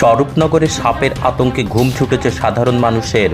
স্বরূপনগরে সাপের আতঙ্কে ঘুম ছুটেছে সাধারণ মানুষের।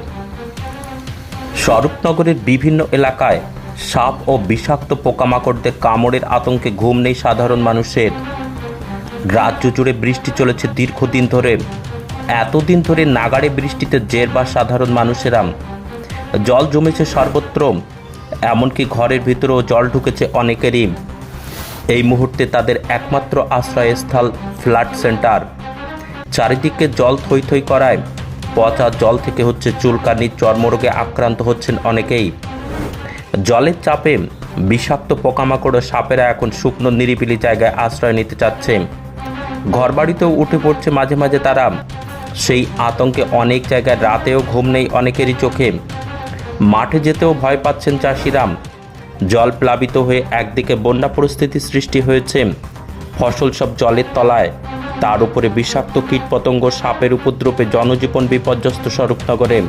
স্বরূপনগরের বিভিন্ন এলাকায় সাপ ও বিষাক্ত পোকামাকড়দের কামড়ের আতঙ্কে ঘুম নেই সাধারণ মানুষের। রাজ্য জুড়ে বৃষ্টি চলেছে দীর্ঘদিন ধরে। এতদিন ধরে নাগাড়ে বৃষ্টিতে জেরবার সাধারণ মানুষেরা। জল জমেছে সর্বত্র, এমনকি ঘরের ভিতরেও জল ঢুকেছে অনেকেরই। এই মুহূর্তে তাদের একমাত্র আশ্রয়স্থল ফ্লাড সেন্টার। চারিদিকে জল থই থই করায় পচা জল থেকে হচ্ছে চুলকানি, চর্মরোগে আক্রান্ত হচ্ছেন অনেকেই। জলের চাপে বিষাক্ত পোকামাকড় ও সাপেরা এখন শুকনো নিরিবিলি জায়গায় আশ্রয় নিতে চাচ্ছে। ঘরবাড়িতেও উঠে পড়ছে মাঝে মাঝে তারা। সেই আতঙ্কে অনেক জায়গায় রাতেও ঘুম নেই অনেকেরই চোখে। মাঠে যেতেও ভয় পাচ্ছেন চাষিরা। জল প্লাবিত হয়ে একদিকে বন্যা পরিস্থিতি সৃষ্টি হয়েছে, ফসল সব জলের তলায়। তার উপরে বিষাক্ত কীটপতঙ্গ, সাপের উপদ্রবে জনজীবন বিপর্যস্ত স্বরূপনগরে।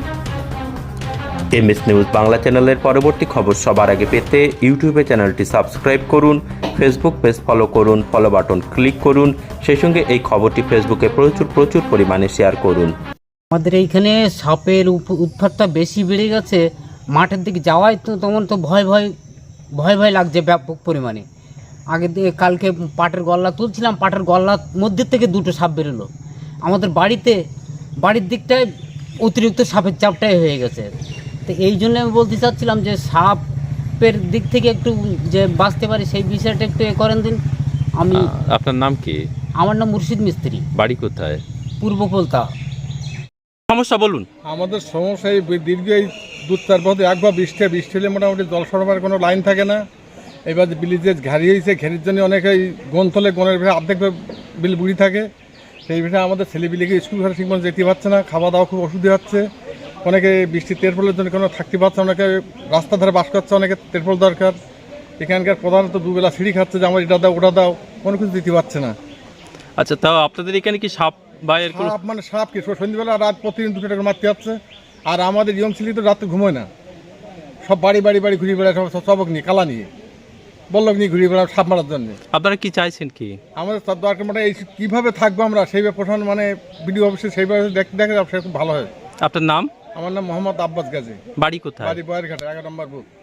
এমএস নিউজ বাংলা চ্যানেলের পরবর্তী খবর সবার আগে পেতে ইউটিউবে চ্যানেলটি সাবস্ক্রাইব করুন, ফেসবুক পেজ ফলো করুন, ফলো বাটন ক্লিক করুন। সেই সঙ্গে এই খবরটি ফেসবুকে প্রচুর পরিমাণে শেয়ার করুন। আমাদের এইখানে সাপের উৎপাতটা বেশি বেড়ে গেছে। মাঠের দিকে যাওয়াই তো তখন তো ভয় লাগছে ব্যাপক পরিমাণে। আগের দিকে কালকে পাটের গল্লা তুলছিলাম, পাটের গল্লার মধ্যে থেকে দুটো সাপ বেরোলো। আমাদের বাড়ির দিকটায় অতিরিক্ত সাপের চাপটাই হয়ে গেছে। তো এই জন্য আমি বলতে চাচ্ছিলাম যে সাপের দিক থেকে একটু যে বাঁচতে পারি সেই বিষয়টা একটু করেন দিন। আপনার নাম কি? আমার নাম মুর্শিদ মিস্ত্রি, বাড়ি কোথায়? পূর্ব কলতা। সমস্যা বলুন। আমাদের সমস্যা এই দীর্ঘ এই 2-4 বছর একবার বৃষ্টি হলে মোটামুটি জল সরবরাহের কোনো লাইন থাকে না। এবার ব্রিজে ঘাড়ি হয়েছে, ঘেরির জন্য অনেকে গনতলে গনের ভিতরে অর্ধেক বিল বুড়ি থাকে। সেই বিষয়ে আমাদের ছেলেপিলিকে স্কুল ঘরে ঠিকমতো যেতে পারছে না, খাওয়া দাওয়া খুব অসুবিধা হচ্ছে। অনেকে বৃষ্টি তেরপলের জন্য কোনো থাকতে পারছে, অনেকে রাস্তার ধারে বাস করছে, অনেকে তেরপল দরকার। এখানকার প্রধানত দুবেলা সিঁড়ি খাচ্ছে যে আমার এটা দাও ওটা দাও, কোনো কিছু দিতে পারছে না। আচ্ছা, তাও আপনাদের এখানে কি সাপ বা এরকম? সাপ মানে সাপ কি সন্ধ্যেবেলা রাত প্রতিদিন 2 টাকা মারতে যাচ্ছে। আর আমাদের ইয়ং ছেলে তো রাতে ঘুমোয় না, সব বাড়ি ঘুরে বেড়ায়, সব সবক নিয়ে কালা নিয়ে বল্লক নিয়ে ঘুরে বেড়ায় সাপ মারার জন্য। আপনারা কি চাইছেন কি? আমাদের তার দরকার মানে এই কীভাবে থাকবো আমরা সেইভাবে প্রশাসন মানে বিডিও অফিসে সেইভাবে দেখে সে খুব ভালো হয়। আপনার নাম? আমার নাম মোহাম্মদ আব্বাস গাজী, বাড়ি কোথায়? বাড়ি বয়েরঘাটে 11 নম্বর বুথ।